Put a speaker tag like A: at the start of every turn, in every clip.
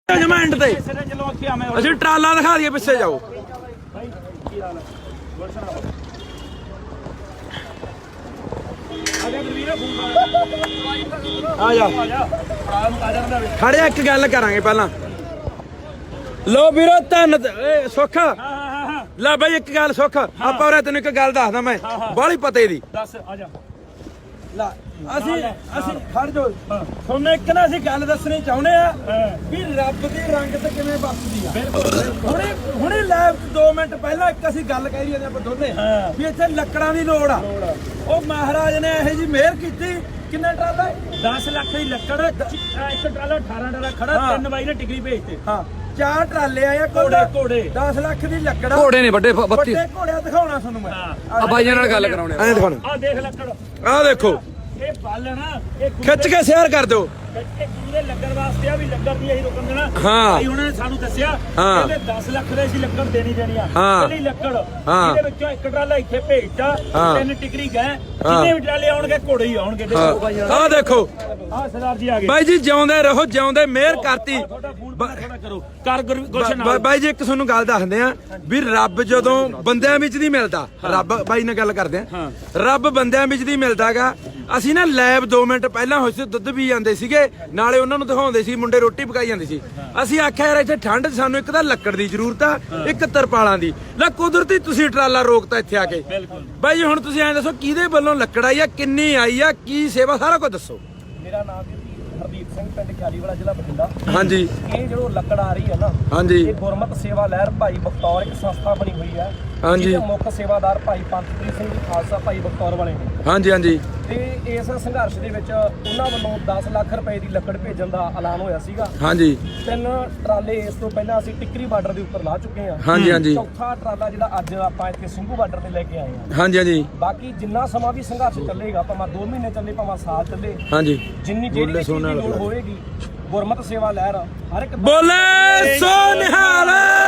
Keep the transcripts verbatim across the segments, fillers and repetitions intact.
A: ਜਮੈਂਟ ਤੇ ਅਸੀਂ ਟਰਾਲਾ ਦਿਖਾ ਦਈਏ ਪਿੱਛੇ ਜਾਓ। ਆ ਜਾ ਖੜਿਆ ਇੱਕ ਗੱਲ ਕਰਾਂਗੇ ਪਹਿਲਾਂ। ਲੋ ਵੀਰੋ ਧੰਨ ਸੁੱਖ ਲੈ ਬਈ ਇੱਕ ਗੱਲ ਸੁੱਖ ਆਪਾਂ ਉਰੇ ਤੈਨੂੰ ਇੱਕ ਗੱਲ ਦੱਸਦਾ ਮੈਂ ਬਾਹਲੀ ਪਤੇ ਦੀ ਦੱਸ ਆ ਜਾ ਲੈ ਅਸੀਂ ਅਸੀਂ ਖੜ ਜੋ ਤੁਹਾਨੂੰ ਇੱਕ ਨਾ ਅਸੀਂ ਗੱਲ ਦੱਸਣੀ ਚਾਹੁੰਦੇ ਆ ਵੀ ਰੱਬ ਦੀ ਰੰਗ ਤੇ ਕਿਵੇਂ ਵਰਤਦੀ ਆ। ਹੁਣੇ ਹੁਣੇ ਲਾਈਵ ਦੋ ਮਿੰਟ ਪਹਿਲਾਂ ਇੱਕ ਅਸੀਂ ਗੱਲ ਕਹਿ ਰਹੀ ਆਪਾਂ ਦੋਨੇ ਵੀ ਇੱਥੇ ਲੱਕੜਾਂ ਦੀ ਲੋੜ ਆ। ਉਹ ਮਹਾਰਾਜ ਨੇ ਇਹੋ ਜੀ ਮਿਹਰ ਕੀਤੀ। ਕਿੰਨਾ ਟਰਾਲਾ ਦਸ ਲੱਖ ਦੀ ਲੱਕੜ ਇੱਕ ਟਰਾਲਾ ਅਠਾਰਾਂ ਟਰਾਲਾ ਖੜਾ ਤਿੰਨ ਬਾਈ ਨੇ ਟਿਕਰੀ ਭੇਜਤੇ। ਹਾਂ ਚਾਰ ਟਰਾਲੇ ਆਏ ਘੋੜੇ ਘੋੜੇ ਦਸ ਲੱਖ ਦੀ ਲੱਕੜ
B: ਘੋੜੇ ਨੇ ਵੱਡੇ
A: ਵੱਡੇ ਘੋੜਿਆ ਦਿਖਾਉਣਾ ਤੁਹਾਨੂੰ ਮੈਂ
B: ਆ ਬਾਈਆਂ ਨਾਲ ਗੱਲ ਕਰਾਉਣੇ
A: ਐਂ ਦਿਖਾਉਣਾ।
C: ਆ ਦੇਖ ਲੱਕੜ
A: ਆ ਦੇਖੋ
C: ਇਹ ਬਾਲਣਾ ਇਹ
A: ਖਿੱਚ ਕੇ ਸ਼ੇਅਰ ਕਰ ਦਿਓ।
C: ਇਹ ਗੁਰੂ ਦੇ ਲੰਗਰ ਵਾਸਤੇ ਆ ਵੀ ਲੰਗਰ ਦੀ ਅਸੀਂ ਰੁਕਣ ਦੇਣਾ।
A: ਹਾਂ
C: ਭਾਈ ਉਹਨਾਂ ਨੇ ਸਾਨੂੰ ਦੱਸਿਆ ਕਹਿੰਦੇ ਦਸ ਲੱਖ ਦੇ ਅਸੀਂ ਲੱਕੜ ਦੇਣੀ ਦੇਣੀ ਆ ਪਹਿਲੀ ਲੱਕੜ ਇਹਦੇ ਵਿੱਚੋਂ ਇੱਕ ਟਰਾਲਾ ਇੱਥੇ ਭੇਜਤਾ ਤਿੰਨ ਟਿਕਰੀ ਗਏ ਜਿੰਨੇ ਵੀ ਟਰਾਲੇ ਆਉਣਗੇ ਘੋੜੇ ਹੀ ਆਉਣਗੇ।
A: ਆ ਦੇਖੋ
C: ਆ ਸਰਦਾਰ ਜੀ ਆ ਗਏ
A: ਬਾਈ ਜੀ ਜਿਉਂਦੇ ਰਹੋ ਜਿਉਂਦੇ ਮਿਹਰ ਕਰਤੀ।
C: ਕਰੋ ਕਰ ਗੁਲਸ਼ਨ
A: ਬਾਈ ਜੀ ਇੱਕ ਤੁਹਾਨੂੰ ਗੱਲ ਦੱਸਦੇ ਆ ਵੀ ਰੱਬ ਜਦੋਂ ਬੰਦਿਆਂ ਵਿੱਚ ਨਹੀਂ ਮਿਲਦਾ ਰੱਬ ਬਾਈ ਨਾਲ ਗੱਲ ਕਰਦੇ ਆ ਰੱਬ ਬੰਦਿਆਂ ਵਿੱਚ ਨਹੀਂ ਮਿਲਦਾਗਾ। ਅਸੀਂ ਨਾ ਲੈਬ ਦੋ ਮਿੰਟ ਪਹਿਲਾਂ ਹੋਏ ਸੀ ਦੁੱਧ ਪੀ ਜਾਂਦੇ ਸੀਗੇ ਨਾਲੇ ਉਹਨਾਂ ਨੂੰ ਦਿਖਾਉਂਦੇ ਸੀ ਮੁੰਡੇ ਰੋਟੀ ਪਕਾਈ ਜਾਂਦੇ ਸੀ। ਅਸੀਂ ਆਖਿਆ ਯਾਰ ਇੱਥੇ ਠੰਡ ਸਾਨੂੰ ਇੱਕ ਤਾਂ ਲੱਕੜ ਦੀ ਜ਼ਰੂਰਤ ਆ ਇੱਕ ਤਰਪਾਲਾਂ ਦੀ। ਲੈ ਕੁਦਰਤੀ ਤੁਸੀਂ ਟਰਾਲਾ ਰੋਕਤਾ ਇੱਥੇ ਆ ਕੇ। ਬਾਈ ਜੀ ਹੁਣ ਤੁਸੀਂ ਐਂ ਦੱਸੋ ਕਿਹਦੇ ਵੱਲੋਂ ਲੱਕੜ ਆਈ ਆ ਕਿੰਨੀ ਆਈ ਆ ਕੀ ਸੇਵਾ ਸਾਰਾ ਕੁਝ ਦੱਸੋ।
D: ਮੇਰਾ ਨਾਮ ਹਰਦੀਪ ਸਿੰਘ ਪਿੰਡ ਖਿਆਲੀਵਾਲਾ ਜ਼ਿਲ੍ਹਾ ਬਠਿੰਡਾ।
A: ਹਾਂਜੀ
D: ਇਹ ਜਦੋਂ ਲੱਕੜ ਆ ਰਹੀ ਹੈ ਨਾ
A: ਹਾਂਜੀ ਇਹ
D: ਗੁਰਮਤ ਸੇਵਾ ਲਹਿਰ ਭਾਈ ਬਖਤੌਰ ਇੱਕ ਸੰਸਥਾ ਬਣੀ ਹੋਈ ਹੈ।
A: ਹਾਂਜੀ
D: ਮੁੱਖ ਸੇਵਾਦਾਰ ਭਾਈ ਪੰਥਪ੍ਰੀਤ ਸਿੰਘ ਜੀ ਖਾਲਸਾ ਭਾਈ ਬਖਤੌਰ ਵਾਲੇ ਨੇ।
A: ਹਾਂਜੀ ਹਾਂਜੀ
D: ਤੇ ਇਸ ਸੰਘਰਸ਼ ਦੇ ਵਿੱਚ ਉਹਨਾਂ ਵੱਲੋਂ ਦਸ ਲੱਖ ਰੁਪਏ ਦੀ ਲੱਕੜ ਭੇਜਣ ਦਾ ਐਲਾਨ ਹੋਇਆ ਸੀਗਾ।
A: ਹਾਂਜੀ
D: ਤਿੰਨ ਟਰਾਲੇ ਇਸ ਤੋਂ ਪਹਿਲਾਂ ਅਸੀਂ ਟਿੱਕਰੀ ਬਾਰਡਰ ਦੇ ਉੱਪਰ ਲਾ ਚੁੱਕੇ ਹਾਂ।
A: ਹਾਂਜੀ ਹਾਂਜੀ
D: ਚੌਥਾ ਟਰਾਲਾ ਜਿਹੜਾ ਅੱਜ ਆਪਾਂ ਇੱਥੇ ਸਿੰਘੂ ਬਾਰਡਰ ਤੇ ਲੈ ਕੇ ਆਏ ਹਾਂ।
A: ਹਾਂਜੀ ਹਾਂਜੀ
D: ਬਾਕੀ ਜਿੰਨਾ ਸਮਾਂ ਵੀ ਸੰਘਰਸ਼ ਚੱਲੇਗਾ ਭਾਵੇਂ ਦੋ ਮਹੀਨੇ ਚੱਲੇ ਭਾਵੇਂ ਸਾਲ ਚੱਲੇ
A: ਹਾਂਜੀ
D: ਜਿੰਨੀ ਜਿਹੜੀ ਚੀਜ਼ ਦੀ ਲੋੜ ਹੋਏਗੀ ਗੁਰਮਤ ਸੇਵਾ ਲਹਿਰ ਹਰ ਇੱਕ
A: ਬੋਲੇ ਸੋ ਨਿਹਾਲ।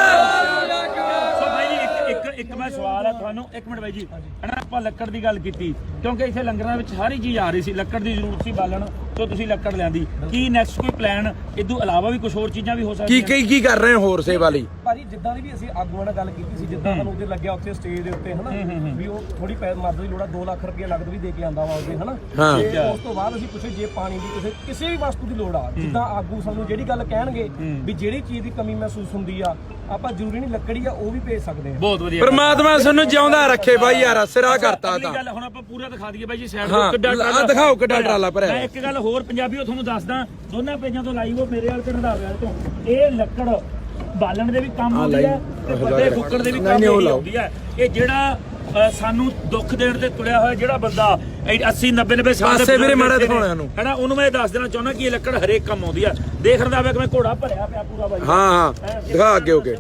C: ਸੋ ਭਾਈ ਜੀ ਇੱਕ ਇੱਕ ਮੈਂ ਸਵਾਲ ਹੈ ਤੁਹਾਨੂੰ ਇੱਕ ਮਿੰਟ ਬਾਈ ਜੀ ਹਨਾ ਆਪਾਂ ਲੱਕੜ ਦੀ ਗੱਲ ਕੀਤੀ ਕਿਉਂਕਿ ਇੱਥੇ ਲੰਗਰਾਂ ਵਿੱਚ ਸਾਰੀ ਚੀਜ਼ ਆ ਰਹੀ ਸੀ ਲੱਕੜ ਦੀ ਜ਼ਰੂਰਤ ਸੀ ਬਾਲਣ ਤੋਂ ਤੁਸੀਂ ਲੱਕੜ ਲਿਆਂਦੀ ਕੀ ਨੈਕਸਟ ਕੋਈ ਪਲਾਨ ਇਦੋਂ ਇਲਾਵਾ ਵੀ ਕੁਝ ਹੋਰ ਚੀਜ਼ਾਂ ਵੀ ਹੋ ਸਕਦੀਆਂ
A: ਕੀ ਕੀ ਕੀ ਕਰ ਰਹੇ ਹੋ ਹੋਰ ਸੇਵਾ ਲਈ
D: ਭਾਜੀ ਜਿੱਦਾਂ ਦੀ ਵੀ ਅਸੀਂ ਆਗੂਆਂ ਨਾਲ ਗੱਲ ਕੀਤੀ ਸੀ ਜਿੱਦਾਂ ਸਾਨੂੰ ਉਹਦੇ ਲੱਗਿਆ ਉੱਥੇ ਸਟੇਜ ਦੇ ਉੱਤੇ ਹਨਾ ਵੀ ਉਹ ਥੋੜੀ ਮਦਦ ਦੀ ਲੋੜ ਆ ਦੋ ਲੱਖ ਰੁਪਏ ਨਗਦ ਵੀ ਦੇ ਕੇ ਆਂਦਾ ਵਾ ਉਹਦੇ ਹਨਾ ਤੇ ਉਸ ਤੋਂ ਬਾਅਦ ਅਸੀਂ ਪੁੱਛੇ ਜੇ ਪਾਣੀ ਦੀ ਕਿਸੇ ਕਿਸੇ ਵੀ ਵਸਤੂ ਦੀ ਲੋੜ ਆ ਜਿੱਦਾਂ ਆਗੂ ਸਾਨੂੰ ਜਿਹੜੀ ਗੱਲ ਕਹਿਣਗੇ ਵੀ ਜਿਹੜੀ ਚੀਜ਼ ਦੀ ਕਮੀ ਮਹਿਸੂਸ ਹੁੰਦੀ ਆ ਆਪਾਂ ਜ਼ਰੂਰੀ ਨਹੀਂ ਲੱਕੜੀ ਆ ਉਹ ਵੀ ਭੇਜ ਸਕਦੇ ਆ।
C: ਬਹੁਤ ਵਧੀਆ
A: ਪਰਮਾਤਮਾ ਸਾਨੂੰ ਜਿਉਂਦਾ ਰੱਖੇ ਬਾਈ ਯਾਰ ਸਿਰਾ ਕਰਤਾ ਤਾਂ
C: ਗੱਲ ਹੁਣ ਆਪਾਂ ਪੂਰਾ ਦਿਖਾ ਦਈਏ ਬਾਈ ਜੀ ਸਾਈਡ
A: ਹਾਂ ਦਿਖਾਓ ਕਿੱਡਾ ਟਰਾਲਾ ਭਰਿਆ।
C: ਮੈਂ ਇੱਕ ਗੱਲ ਹੋਰ ਪੰਜਾਬੀਓ ਤੁਹਾਨੂੰ ਦੱਸਦਾ ਦੋਨਾਂ ਪੇਜਾਂ ਤੋਂ ਲਾਈਵ ਉਹ ਮੇਰੇ ਵਾਲ ਤੇ ਰੰਧਾਵੇ ਵਾਲੇ ਤੋਂ ਇਹ ਲੱਕੜ ਬਾਲਣ ਦੇ ਵੀ ਕੰਮ ਆਉਂਦੀ ਹੈ ਤੇ ਵੱਡੇ ਫੁੱਕੜ ਦੇ ਵੀ ਕੰਮ ਆਉਂਦੀ ਹੈ। ਇਹ ਜਿਹੜਾ ਸਾਨੂੰ ਦੁੱਖ ਦੇਣ ਤੇ ਤੁਰਿਆ ਹੋਇਆ ਜਿਹੜਾ ਬੰਦਾ ਅੱਸੀ ਨੱਬੇ ਨੱਬੇ ਸਾਲ
A: ਦੇ ਵੀਰੇ ਮਾੜਾ ਦਿਖਾਉਣਾ ਨੂੰ
C: ਹੈਨਾ ਉਹਨੂੰ ਮੈਂ ਦੱਸ ਦੇਣਾ ਚਾਹੁੰਦਾ ਕਿ ਇਹ ਲੱਕੜ ਹਰੇਕ ਕੰਮ ਆਉਂਦੀ ਆ। ਦੇਖ ਰੰਧਾਵੇ ਕਿ ਮੈਂ ਘੋੜਾ ਭਰਿਆ ਪਿਆ ਪੂਰਾ ਬਾਈ।
A: ਹਾਂ ਹਾਂ ਦਿਖਾ ਅੱਗੇ ਹੋ ਕੇ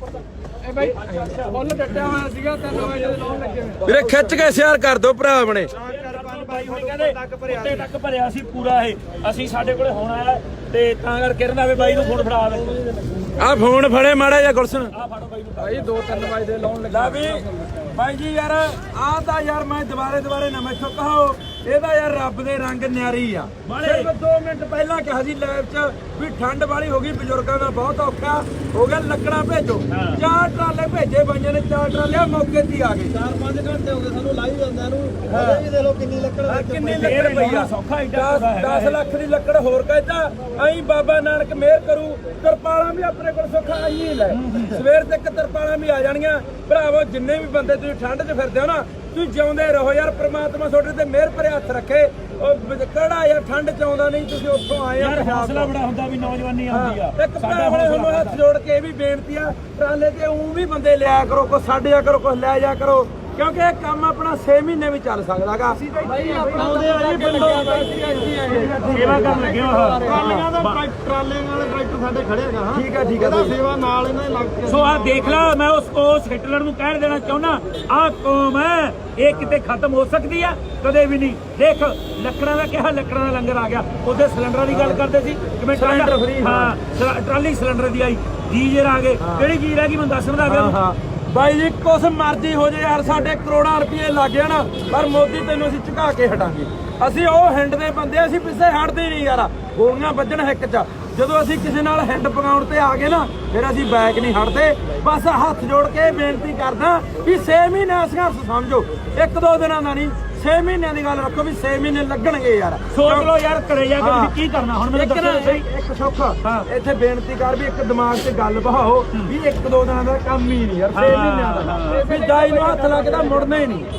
A: ਵੀਰੇ ਖਿੱਚ ਕੇ ਸ਼ੇਅਰ ਕਰ ਦਿਓ ਭਰਾ ਆਪਣੇ
C: ਉੱਤੇ ਤੱਕ ਭਰਿਆ ਸੀ ਪੂਰਾ ਇਹ ਅਸੀਂ ਸਾਡੇ ਕੋਲੇ ਹੁਣ ਆਇਆ ਤੇ ਤਾਂ ਕਰਕੇ ਰੰਧਾਵੇ ਬਾਈ ਨੂੰ ਫੋਨ ਫੜਾ ਦੇ
A: ਆ ਫੋਨ ਫੜੇ ਮਾੜਾ ਜਿਹਾ ਗੁਲਸ਼ਨ
C: ਆ ਫੜੋ ਬਾਈ ਨੂੰ
D: ਭਾਈ ਦੋ ਤਿੰਨ ਵਜੇ ਦੇ ਲਾਉਣ
A: ਲੱਗਾ ਵੀ ਬਾਈ ਜੀ ਯਾਰ ਆ ਤਾਂ ਯਾਰ ਮੈਂ ਦੁਬਾਰੇ ਦੁਬਾਰੇ ਨਾ ਮੈਥੋਂ ਕਹੋ ਇਹਦਾ ਯਾਰ ਰੱਬ ਦੇ ਰੰਗ ਨਿਆਰੀ ਆ। ਸਿਰਫ ਦੋ ਮਿੰਟ ਪਹਿਲਾਂ ਕਿਹਾ ਸੀ ਲਾਈਵ 'ਚ ਵੀ ਠੰਡ ਵਾਲੀ ਹੋ ਗਈ ਬਜ਼ੁਰਗਾਂ ਦਾ ਬਹੁਤ ਔਖਾ ਹੋ ਗਿਆ ਲੱਕੜਾਂ ਭੇਜੋ ਚਾਰ ਟਰਾਲੇ ਭੇਜੇ ਬਾਈਆਂ ਨੇ ਚਾਰ ਟਰਾਲੇ ਮੌਕੇ ਤੇ ਆ ਗਏ
D: ਚਾਰ ਪੰਜ ਘੰਟੇ ਹੋ ਗਏ ਸਾਨੂੰ ਲਾਈਵ ਜਾਂਦਿਆਂ ਨੂੰ ਹਲੇ ਵੀ ਦੇ ਲੋ ਕਿੰਨੀ ਲੱਕੜ
A: ਕਿੰਨੀ ਲੱਕੜ ਪਈ ਆ
C: ਸੌਖਾ
A: ਦਸ ਲੱਖ ਦੀ ਲੱਕੜ ਹੋਰ ਕਹਿੰਦਾ ਐਂ ਬਾਬਾ ਨਾਨਕ ਮਿਹਰ ਕਰੂ ਤਰਪਾਲਾਂ ਵੀ ਆਪਣੇ ਕੋਲ ਸੌਖਾ ਆਈ ਲੈ ਸਵੇਰ ਤੱਕ ਤਰਪਾਲਾਂ ਵੀ ਆ ਜਾਣੀਆਂ ਭਰਾਵੋ ਜਿੰਨੇ ਵੀ ਬੰਦੇ ਤੁਸੀਂ ਠੰਡ 'ਚ ਫਿਰਦੇ ਹੋ ਨਾ ਤੁਸੀਂ ਜਿਉਂਦੇ ਰਹੋ ਯਾਰ ਪ੍ਰਮਾਤਮਾ ਤੁਹਾਡੇ ਤੇ ਮਿਹਰ ਭਰੇ ਹੱਥ ਰੱਖੇ। ਉਹ ਕਿਹੜਾ ਯਾਰ ਠੰਡ 'ਚ ਆਉਂਦਾ ਨਹੀਂ ਤੁਸੀਂ ਉੱਥੋਂ ਆਏ
C: ਯਾਰ ਹੌਸਲਾ ਬੜਾ ਹੁੰਦਾ ਵੀ ਨੌਜਵਾਨੀ ਆਉਂਦੀ ਆ।
A: ਇੱਕ ਭਰਾ ਹੁਣ ਹੱਥ ਜੋੜ ਕੇ ਇਹ ਵੀ ਬੇਨਤੀ ਆ ਟਰਾਲੇ ਤੇ ਉਹ ਵੀ ਬੰਦੇ ਲਿਆ ਕਰੋ ਕੁਛ ਛੱਡਿਆ ਕਰੋ ਕੁਛ ਲੈ ਜਾ ਕਰੋ ਕਿਉਂਕਿ ਇਹ ਕੰਮ ਆਪਣਾ ਛੇ ਮਹੀਨੇ ਵੀ ਚੱਲ ਸਕਦਾਗਾ।
D: ਭਾਈ ਆਪਣਾਉਂਦੇ ਆ ਜੀ ਪਿੰਡੋਂ
C: ਸੇਵਾ ਕਰਨ ਲੱਗੇ ਹੋ
D: ਟਰਾਲੀਆਂ ਦਾ ਟਰਾਲੇ ਨਾਲ ਟਰੈਕਟਰ ਸਾਡੇ ਖੜੇਗਾ ਹਾਂ
A: ਠੀਕ ਆ ਠੀਕ ਆ
D: ਸੇਵਾ ਨਾਲ ਇਹਨਾਂ ਲੱਗ ਕੇ
C: ਸੋ ਆ ਦੇਖ ਲਾ ਮੈਂ ਉਸ ਉਸ ਹਿਟਲਰ ਨੂੰ ਕਹਿ ਦੇਣਾ ਚਾਹੁੰਦਾ ਆਹ ਕੌਮ ਹੈ ਇਹ ਕਿਤੇ ਖਤਮ ਹੋ ਸਕਦੀ ਆ ਕਦੇ ਵੀ ਨਹੀਂ। ਦੇਖ ਲੱਕੜਾਂ ਦਾ ਕਿਹਾ ਲੱਕੜਾਂ ਦਾ ਲੰਗਰ ਆ ਗਿਆ ਉਹਦੇ ਸਿਲੰਡਰਾਂ ਦੀ ਗੱਲ ਕਰਦੇ ਸੀ ਕਿਵੇਂ ਸਿਲੰਡਰ ਫ੍ਰੀ ਹਾਂ ਟਰਾਲੀ ਸਿਲੰਡਰ ਦੀ ਆਈ ਗੀਜ਼ਰ ਆ ਗਏ ਕਿਹੜੀ ਚੀਜ਼ ਰਹਿ ਗਈ ਮੈਨੂੰ ਦੱਸਣ ਦਾ
A: ਹਾਂ ਬਾਈ ਜੀ ਕੁਛ ਮਰਜ਼ੀ ਹੋ ਜੇ ਯਾਰ ਸਾਡੇ ਕਰੋੜਾਂ ਰੁਪਏ ਲੱਗ ਜਾਣ ਪਰ ਮੋਦੀ ਤੈਨੂੰ ਅਸੀਂ ਝੁਕਾ ਕੇ ਹਟਾਂਗੇ। ਅਸੀਂ ਉਹ ਹਿੰਡ ਦੇ ਬੰਦੇ ਅਸੀਂ ਪਿੱਛੇ ਹਟਦੇ ਨਹੀਂ ਯਾਰ ਗੋਲੀਆਂ ਵੱਜਣ ਹਿੱਕ 'ਚ ਜਦੋਂ ਅਸੀਂ ਕਿਸੇ ਨਾਲ ਹੈਂਡ ਪਕਾਉਣ ਤੇ ਆ ਗਏ ਨਾ ਫਿਰ ਅਸੀਂ ਬੈਕ ਨਹੀਂ ਹਟਦੇ। ਬਸ ਹੱਥ ਜੋੜ ਕੇ ਬੇਨਤੀ ਕਰਦਾ ਵੀ ਛੇ ਮਹੀਨੇ ਸੰਘਰਸ਼ ਸਮਝੋ, ਇੱਕ ਦੋ ਦਿਨਾਂ ਦਾ ਨਹੀਂ, ਛੇ ਮਹੀਨਿਆਂ ਦੀ ਗੱਲ ਰੱਖੋ ਵੀ ਛੇ ਮਹੀਨੇ ਲੱਗਣਗੇ ਯਾਰ।
C: ਸੋਚ ਲਓ ਯਾਰ ਘਰੇ ਜਾ ਕੇ ਤੁਸੀਂ ਕੀ ਕਰਨਾ ਹੁਣ ਮੈਨੂੰ
A: ਇੱਕ ਨਾ
C: ਦੱਸੋ ਸਹੀ।
A: ਇੱਕ ਸੌਖਾ ਇੱਥੇ ਬੇਨਤੀ ਕਰ ਵੀ ਇੱਕ ਦਿਮਾਗ 'ਚ ਗੱਲ ਬਹਾਓ ਵੀ ਇੱਕ ਦੋ ਦਿਨਾਂ ਦਾ ਕੰਮ ਹੀ ਨਹੀਂ ਯਾਰ, ਛੇ ਮਹੀਨਿਆਂ ਦਾ ਵੀ ਦਾਈ ਨੂੰ ਹੱਥ ਲੱਗਦਾ ਮੁੜਨਾ ਹੀ ਨਹੀਂ।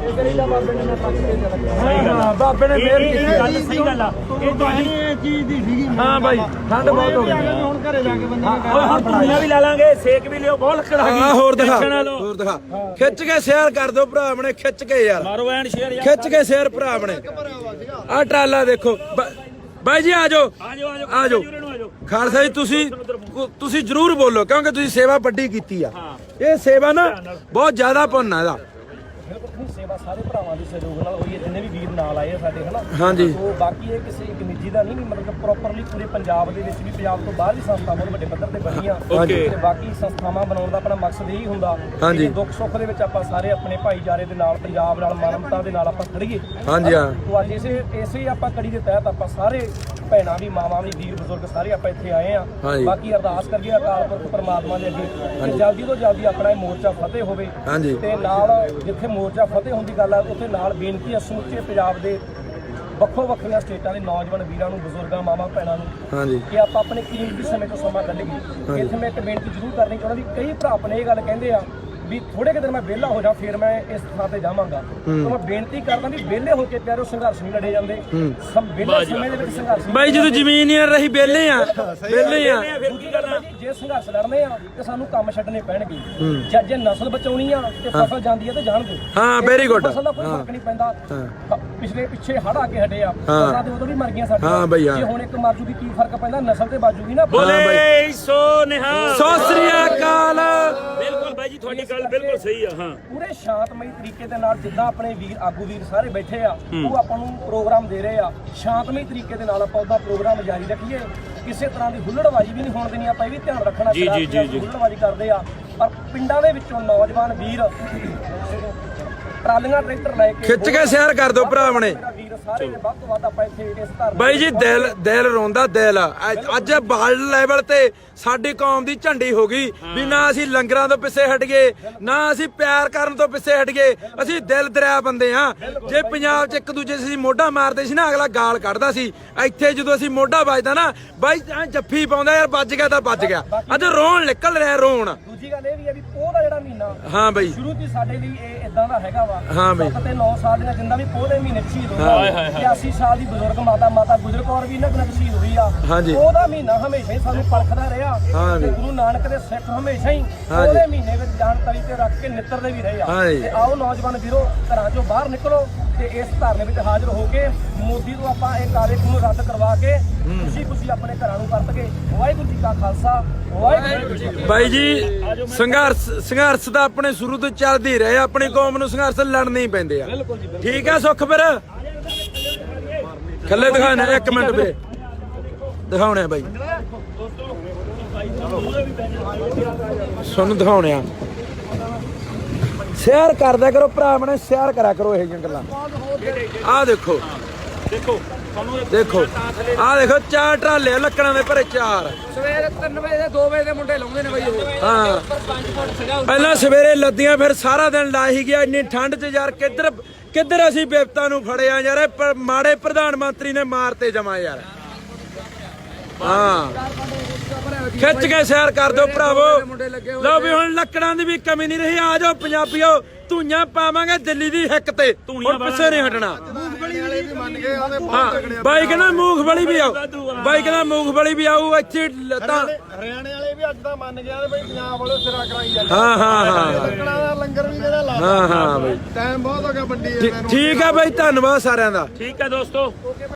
A: ਹਾਂ ਬਾਬੇ ਨੇ ਮਿਹਰ ਕੀਤੀ
C: ਗੱਲ ਸਹੀ ਗੱਲ ਆ। ਇਹ ਤੁਹਾਡੀ
B: ਇਹ ਚੀਜ਼ ਦੀ ਸੀਗੀ।
A: ਹਾਂ ਬਾਈ ਠੰਡ ਬਹੁਤ ਹੋ ਗਈ।
B: ਹੁਣ ਘਰੇ ਜਾ ਕੇ ਬੰਦੇ ਨੇ
C: ਓਏ ਹੁਣ ਧੂਣੀਆਂ ਵੀ ਲਾ ਲਾਂਗੇ, ਸੇਕ ਵੀ ਲਿਓ, ਬਹੁਤ ਲੱਕੜ ਆ ਗਈ।
A: ਹਾਂ ਹੋਰ ਦਿਖਾ
C: ਟੈਨਸ਼ਨ ਨਾ ਲਓ।
A: ਹੋਰ ਦਿਖਾ ਖਿੱਚ ਕੇ ਸ਼ੇਅਰ ਕਰ ਦਿਓ ਭਰਾ ਆਪਣੇ, ਖਿੱਚ ਕੇ ਯਾਰ
C: ਮਾਰੋ ਐਨ ਸ਼ੇਅਰ ਯਾਰ।
A: ਖਿੱਚ ਕੇ ਸ਼ੇਅਰ ਭਰਾ ਆਪਣੇ। ਆ ਟਰਾਲਾ ਦੇਖੋ ਬ- ਬਾਈ ਜੀ ਆ ਜਾਓ
C: ਆ ਜਾਓ ਆ ਜਾਓ
A: ਆ ਜਾਓ
C: ਉਰੇ ਨੂੰ ਆ ਜਾਓ।
A: ਖਾਲਸਾ ਜੀ ਤੁਸੀਂ ਤੁਸੀਂ ਜਰੂਰ ਬੋਲੋ ਕਿਉਂਕਿ ਤੁਸੀਂ ਸੇਵਾ ਵੱਡੀ ਕੀਤੀ ਆ।
C: ਹਾਂ।
A: ਇਹ ਸੇਵਾ ਨਾ ਬਹੁਤ ਜ਼ਿਆਦਾ ਪੁੰਨ ਆ ਇਹਦਾ।
D: ਬਿਲਕੁਲ ਸੇਵਾ ਸਾਰੇ ਭਰਾਵਾਂ ਦੇ ਸਹਿਯੋਗ ਨਾਲ ਹੋਈ ਹੈ, ਜਿੰਨੇ ਵੀ ਵੀਰ ਨਾਲ ਆਏ ਆ ਸਾਡੇ ਹਨਾ।
A: ਹਾਂਜੀ।
D: ਸੋ ਬਾਕੀ ਇਹ ਕਿਸੇ ਇੱਕ ਨਿੱਜੀ ਦਾ ਨਹੀਂ, ਮਤਲਬ ਪ੍ਰੋਪਰਲੀ ਪੂਰੇ ਪੰਜਾਬ ਦੇ ਵਿੱਚ ਵੀ, ਪੰਜਾਬ ਤੋਂ ਬਾਹਰ ਵੀ ਸੰਸਥਾ ਬਹੁਤ ਵੱਡੇ ਪੱਧਰ ਤੇ ਬਣੀਆਂ
C: Okay।
D: ਤੇ ਬਾਕੀ ਸੰਸਥਾਵਾਂ ਬਣਾਉਣ ਦਾ ਆਪਣਾ ਮਕਸਦ ਇਹੀ ਹੁੰਦਾ
A: ਹਾਂਜੀ।
D: ਕਿ ਦੁੱਖ ਸੁੱਖ ਦੇ ਵਿੱਚ ਆਪਾਂ ਸਾਰੇ ਆਪਣੇ ਭਾਈਚਾਰੇ ਦੇ ਨਾਲ, ਪੰਜਾਬ ਨਾਲ, ਮਾਨਵਤਾ ਦੇ ਨਾਲ ਆਪਾਂ ਖੜੀਏ।
A: ਹਾਂਜੀ ਹਾਂ
D: ਤੋ ਅੱਜ ਇਸੇ ਇਸੇ ਆਪਾਂ ਕੜੀ ਦੇ ਤਹਿਤ ਆਪਾਂ ਸਾਰੇ ਭੈਣਾਂ ਵੀ, ਮਾਵਾਂ ਵੀ, ਵੀਰ ਬਜ਼ੁਰਗ ਸਾਰੇ ਆਪਾਂ ਇੱਥੇ ਆਏ ਆ।
A: ਹਾਂਜੀ।
D: ਬਾਕੀ ਅਰਦਾਸ ਕਰੀਏ ਅਕਾਲ ਪੁਰਖ ਪਰਮਾਤਮਾ ਦੇ ਅੱਗੇ ਕਿ ਜਲਦੀ ਤੋਂ ਜਲਦੀ ਆਪਣਾ ਇਹ ਮੋਰਚਾ ਫਤਿਹ ਹੋਵੇ।
A: ਹਾਂਜੀ।
D: ਤੇ ਨਾਲ ਜਿੱਥੇ ਮੋਰਚਾ ਫਤਿਹ ਹੋਣ ਦੀ ਗੱਲ ਆ, ਉੱਥੇ ਨਾਲ ਬੇਨਤੀ ਆ ਸਮੁੱਚੇ ਪੰਜਾਬ ਦੇ ਵੱਖੋ ਵੱਖਰੀਆਂ ਸਟੇਟਾਂ ਦੇ ਨੌਜਵਾਨ ਵੀਰਾਂ ਨੂੰ, ਬਜ਼ੁਰਗਾਂ, ਮਾਵਾਂ, ਭੈਣਾਂ ਨੂੰ
A: ਹਾਂਜੀ
D: ਕਿ ਆਪਾਂ ਆਪਣੇ ਕੀਮਤੀ ਸਮੇਂ ਤੋਂ ਸਮਾਂ ਕੱਢੀਏ। ਇੱਥੇ ਮੈਂ ਇੱਕ ਬੇਨਤੀ ਜ਼ਰੂਰ ਕਰਨੀ ਚਾਹੁੰਦਾ ਵੀ ਕਈ ਭਰਾ ਆਪਣੇ ਇਹ ਗੱਲ ਕਹਿੰਦੇ ਆ ਵੀ ਥੋੜੇ ਕੁ ਦਿਨ ਮੈਂ ਵਿਹਲਾ ਹੋ ਜਾ ਫਿਰ ਮੈਂ ਇਸ ਥਾਂ ਤੇ ਜਾਵਾਂਗਾ। ਤਾਂ ਮੈਂ ਬੇਨਤੀ ਕਰਦਾ ਵੀ ਵਿਹਲੇ ਹੋ ਕੇ ਪਿਆਰੋ ਸੰਘਰਸ਼ ਨਹੀਂ ਲੜੇ ਜਾਂਦੇ। ਸਭ ਵਿਹਲੇ ਸਮੇਂ ਦੇ ਵਿੱਚ ਸੰਘਰਸ਼
A: ਬਾਈ ਜਦੋਂ ਜ਼ਮੀਨ ਹੀ ਨਾ ਰਹੀ ਵਿਹਲੇ ਆ ਵਿਹਲੇ ਆ।
C: ਫਿਰ ਕੀ ਕਰਨਾ?
D: ਜੇ ਸੰਘਰਸ਼ ਲੜਨੇ ਆ ਤੇ ਸਾਨੂੰ ਕੰਮ ਛੱਡਣੇ ਪੈਣਗੇ। ਜੇ ਜੇ ਨਸਲ ਬਚਾਉਣੀ ਆ ਤੇ ਫਸਲ ਜਾਂਦੀ ਆ ਤੇ ਜਾਣ ਦਿਓ।
A: ਹਾਂ ਵੈਰੀ ਗੁੱਡ।
D: ਫਸਲ ਦਾ ਕੋਈ ਫਰਕ ਨਹੀਂ ਪੈਂਦਾ। ਹ- ਪਿਛਲੇ ਪਿੱਛੇ ਹੜ ਆ ਕੇ ਹਟੇ ਆ,
A: ਹਾਂ।
D: ਫਸਲਾਂ ਤੇ ਉਦੋਂ ਵੀ ਮਰ ਗਈਆਂ ਸਾਡੀਆਂ।
A: ਹਾਂ ਬਈ, ਹਾਂ।
D: ਜੇ ਹੁਣ ਇੱਕ ਮਰ ਜੂਗੀ ਕੀ ਫਰਕ ਪੈਂਦਾ, ਨਸਲ ਤੇ ਬਾਜੂਗੀ ਨਾ।
C: ਬੋਲੇ ਸੋ ਨਿਹਾਲ।
A: ਸਤਿ ਸ੍ਰੀ ਅਕਾਲ।
C: ਬਿਲਕੁਲ ਬਾਈ ਜੀ ਤੁਹਾਡੀ ਗੱਲ ਬਿਲਕੁਲ ਸਹੀ ਆ। ਹਾਂ
D: ਪੂਰੇ ਸ਼ਾਂਤਮਈ ਤਰੀਕੇ ਦੇ ਨਾਲ ਜਿੱਦਾਂ ਆਪਣੇ ਵੀਰ ਆਗੂ ਵੀਰ ਸਾਰੇ ਬੈਠੇ ਆ, ਉਹ ਆਪਾਂ ਨੂੰ ਪ੍ਰੋਗਰਾਮ ਦੇ ਰਹੇ ਆ। ਸ਼ਾਂਤਮਈ ਤਰੀਕੇ ਦੇ ਨਾਲ ਆਪਾਂ ਉਹਦਾ ਪ੍ਰੋਗਰਾਮ ਜਾਰੀ ਰੱਖੀਏ। ਕਿਸੇ ਤਰ੍ਹਾਂ ਦੀ ਹੁੱਲੜਬਾਜ਼ੀ ਵੀ ਨਹੀਂ ਹੋਣ ਦੇਣੀ। ਆਪਾਂ ਇਹ ਵੀ ਧਿਆਨ ਰੱਖਣਾ
C: ਜੀ, ਜੀ, ਜੀ, ਜੀ।
D: ਹੁੱਲੜਬਾਜ਼ੀ ਕਰਦੇ ਆ ਪਰ ਪਿੰਡਾਂ ਦੇ ਵਿੱਚੋਂ ਨੌਜਵਾਨ ਵੀਰ ਟਰਾਲੀਆਂ ਟਰੈਕਟਰ ਲੈ ਕੇ
A: ਖਿੱਚ ਕੇ ਸ਼ੇਅਰ ਕਰ ਦਿਓ ਭਰਾ ਆਪਣੇ।
D: ਵੀਰ ਸਾਰੇ ਨੇ ਵੱਧ ਤੋਂ ਵੱਧ ਆਪਾਂ ਇੱਥੇ ਇਸ ਧਰਨੇ
A: ਬਾਈ ਜੀ ਦਿਲ ਦਿਲ ਰੋਂਦਾ ਦਿਲ। ਅੱਜ- ਅੱਜ ਵਰਲਡ ਲੈਵਲ ਤੇ ਸਾਡੀ ਕੌਮ ਦੀ ਝੰਡੀ ਹੋ ਗਈ ਵੀ ਨਾ ਅਸੀਂ ਲੰਗਰਾਂ ਤੋਂ ਪਿੱਛੇ ਹਟ ਗਏ, ਨਾ ਅਸੀਂ ਪਿਆਰ ਕਰਨ ਤੋਂ ਪਿੱਛੇ ਹਟ ਗਏ। ਅਸੀਂ ਦਿਲ ਦਰਿਆ ਬੰਦੇ ਆ। ਜੇ ਪੰਜਾਬ 'ਚ ਇੱਕ ਦੂਜੇ ਅਸੀਂ ਮੋਢਾ ਮਾਰਦੇ ਸੀ ਨਾ, ਅਗਲਾ ਗਾਲ ਕੱਢਦਾ ਸੀ। ਇੱਥੇ ਜਦੋਂ ਅਸੀਂ ਮੋਢਾ ਵੱਜਦਾ ਨਾ ਬਾਈ ਐਂ ਜੱਫੀ ਪਾਉਂਦਾ ਯਾਰ, ਵੱਜ ਗਿਆ ਤਾਂ ਵੱਜ ਗਿਆ। ਅੱਜ ਰੋਣ ਨਿਕਲ ਰਿਹਾ ਰੋਣ।
D: ਦੂਜੀ ਗੱਲ ਇਹ ਵੀ ਹੈ ਵੀ ਪੋਹ ਦਾ ਜਿਹੜਾ ਮਹੀਨਾ
A: ਹਾਂ ਬਾਈ
D: ਸ਼ੁਰੂ ਤੋਂ ਹੀ ਸਾਡੇ ਲਈ ਇਹ ਇਦਾਂ ਦਾ ਹੈਗਾ ਵਾ।
A: ਹਾਂ ਬਈ।
D: ਸੱਤ ਤੇ ਨੌ ਸਾਲ ਦੀਆਂ ਜਿੰਦਾ ਵੀ ਪੋਹ ਦੇ ਮਹੀਨੇ 'ਚ ਸ਼ਹੀਦ
A: ਹਾਏ
D: ਹੋਇਆ।
C: ਹਾਏ ਹਾਏ।
D: ਇਕਿਆਸੀ ਸਾਲ ਦੀ ਬਜ਼ੁਰਗ ਮਾਤਾ ਮਾਤਾ ਗੁਜਰ ਕੌਰ ਵੀ ਇਹਨਾਂ ਕੋਲ ਸ਼ਹੀਦ ਹੋਈ ਆ।
A: ਹਾਂਜੀ।
D: ਉਹਦਾ ਮਹੀਨਾ ਹਮੇਸ਼ਾ ਹੀ ਸਾਨੂੰ ਪਰਖਦਾ ਰਿਹਾ।
A: ਹਾਂ
D: ਤੇ
A: ਜੀ।
D: ਗੁਰੂ ਨਾਨਕ ਦੇ ਸਿੱਖ ਹਮੇਸ਼ਾ ਹੀ
A: ਹਾਂ ਜੀ।
D: ਉਹਦੇ ਮਹੀਨੇ ਵਿੱਚ ਜਾਨ ਤਲੀ ਤੇ ਰੱਖ ਕੇ ਨਿੱਤਰਦੇ ਵੀ ਰਹੇ ਆ।
A: ਹਾਂ ਜੀ।
D: ਤੇ ਆਓ ਨੌਜਵਾਨ ਵੀਰੋ ਘਰਾਂ ਚੋਂ ਬਾਹਰ ਨਿਕਲੋ ਤੇ ਇਸ ਧਰਨੇ ਵਿੱਚ ਹਾਜ਼ਰ ਹੋ ਕੇ ਮੋਦੀ ਤੋਂ ਆਪਾਂ ਇਹ ਕਾਰੇ ਨੂੰ ਰੱਦ ਕਰਵਾ ਕੇ ਖੁਸ਼ੀ ਖੁਸ਼ੀ ਆਪਣੇ ਘਰਾਂ ਨੂੰ ਪਰਤ ਕੇ ਵਾਹਿਗੁਰੂ ਜੀ ਕਾ ਖਾਲਸਾ ਵਾਹਿਗੁਰੂ ਜੀ ਕੀ ਫਤਿਹ।
A: ਬਾਈ ਜੀ ਸੰਘਰਸ਼ ਸੰਘਰਸ਼ ਤਾਂ ਆਪਣੇ ਸ਼ੁਰੂ ਤੋਂ ਚੱਲਦੇ ਹੀ ਰਹੇ। ਆਪਣੀ ਕੌਮ ਨੂੰ ਸੰਘਰਸ਼ ਲੜਨੇ ਹੀ ਪੈਂਦੇ ਆ। ਠੀਕ ਆ ਸੁੱਖ ਫਿਰ ਥੱਲੇ ਦਿਖਾਣਾ ਇੱਕ ਮਿੰਟ ਵੀਰੇ ਦਿਖਾਉਣੇ ਆ ਬਾਈ ਸਾਨੂੰ ਦਿਖਾਉਣੇ ਆ। ਸ਼ੇਅਰ ਕਰਦਿਆ ਕਰੋ ਭਰਾ ਆਪਣੇ, ਸ਼ੇਅਰ ਕਰਿਆ ਕਰੋ ਇਹ ਜਿਹੀਆਂ ਗੱਲਾਂ। ਆਹ ਦੇਖੋ
C: ਦੇਖੋ ਤੁਹਾਨੂੰ ਇਹ
A: ਦੇਖੋ ਆਹ ਦੇਖੋ ਚਾਰ ਟਰਾਲੇ ਲੱਕੜਾਂ ਦੇ ਭਰੇ ਚਾਰ।
B: ਸਵੇਰੇ ਤਿੰਨ ਵਜੇ ਦੇ ਦੋ ਵਜੇ ਦੇ ਮੁੰਡੇ ਲਾਉਂਦੇ ਨੇ ਬਈ ਉਹ।
A: ਹਾਂ
B: ਪੰਜ ਫੁੱਟ ਸਜਾ
A: ਪਹਿਲਾਂ ਸਵੇਰੇ ਲੱਦੀਆਂ ਫਿਰ ਸਾਰਾ ਦਿਨ ਲਾ ਹੀ ਗਿਆ ਇੰਨੀ ਠੰਡ 'ਚ ਯਾਰ। ਕਿੱਧਰ ਕਿੱਧਰ ਅਸੀਂ ਬਿਪਤਾ ਨੂੰ ਫੜਿਆ ਯਾਰ। ਇਹ ਪ- ਮਾੜੇ ਪ੍ਰਧਾਨ ਮੰਤਰੀ ਨੇ ਮਾਰਤੇ ਜਮਾ ਯਾਰ। ਹਾਂ ਖਿੱਚ ਕੇ ਸ਼ੇਅਰ ਕਰ ਦਿਓ ਭਰਾਵੋ। ਲਓ ਵੀ ਹੁਣ ਲੱਕੜਾਂ ਦੀ ਵੀ ਕਮੀ ਨਹੀਂ ਰਹੀ। ਆ ਜਾਓ ਪੰਜਾਬੀਓ, ਧੂਈਆਂ ਪਾਵਾਂਗੇ ਦਿੱਲੀ ਦੀ ਹਿੱਕ ਤੇ। ਹੁਣ ਪਿੱਛੇ ਨਹੀਂ ਹਟਣਾ। ਹਾਂ ਬਾਈ ਕਹਿੰਦਾ ਮੂੰਗਫਲੀ ਵੀ ਆਊ। ਬਾਈ ਕਹਿੰਦਾ ਮੂੰਗਫਲੀ ਵੀ ਆਊ ਇੱਥੇ ਤਾਂ।
B: ਹਰਿਆਣੇ ਵਾਲੇ ਵੀ ਅੱਜ ਤਾਂ ਮੰਨ ਗਿਆ ਤੇ ਬਈ ਪੰਜਾਬ ਵਾਲੇ ਸਿਰਾ ਕਰਾਈ ਜਾਂਦੇ।
A: ਹਾਂ ਹਾਂ ਹਾਂ
B: ਲੱਕੜਾਂ ਦਾ ਲੰਗਰ ਵੀ ਜਿਹੜਾ ਲਾ
A: ਹਾਂ ਹਾਂ ਬਾਈ
B: ਟਾਈਮ ਬਹੁਤ ਹੋ ਗਿਆ ਵੱਡੀ
A: ਠੀਕ ਆ ਬਾਈ, ਧੰਨਵਾਦ ਸਾਰਿਆਂ ਦਾ।
C: ਠੀਕ ਹੈ ਦੋਸਤੋ।